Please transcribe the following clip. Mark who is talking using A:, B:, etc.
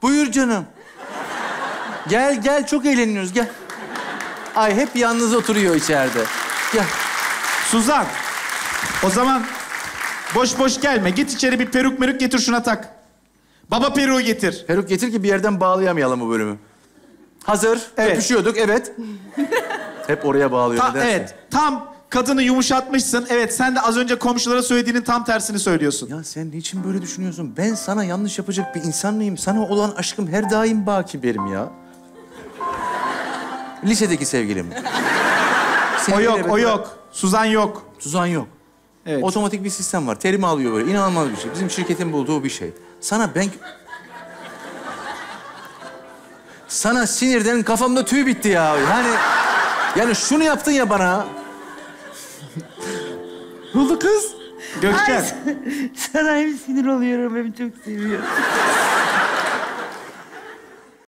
A: Buyur canım. Gel, gel. Çok eğleniyoruz. Gel. Ay hep yalnız oturuyor içeride. Gel.
B: Suzan, o zaman boş boş gelme. Git içeri bir peruk getir şuna tak. Baba peruğu getir.
A: Peruk getir ki bir yerden bağlayamayalım bu bölümü. Hazır.
B: Evet.
A: Öpüşüyorduk, evet. Hep oraya bağlıyor. Nedense.
B: Evet, tam kadını yumuşatmışsın. Evet, sen de az önce komşulara söylediğinin tam tersini söylüyorsun.
A: Ya sen niçin böyle düşünüyorsun? Ben sana yanlış yapacak bir insan mıyım? Sana olan aşkım her daim baki benim ya. Lisedeki sevgilim.
B: O yok, o yok. Suzan yok.
A: Suzan yok.
B: Evet.
A: Otomatik bir sistem var. Terimi alıyor böyle. İnanılmaz bir şey. Bizim şirketin bulduğu bir şey. Sana sinirden kafamda tüy bitti ya. Yani şunu yaptın ya bana. Ne oldu kız?
B: Gökçen.
C: Sana hem sinir oluyorum hem çok seviyorum.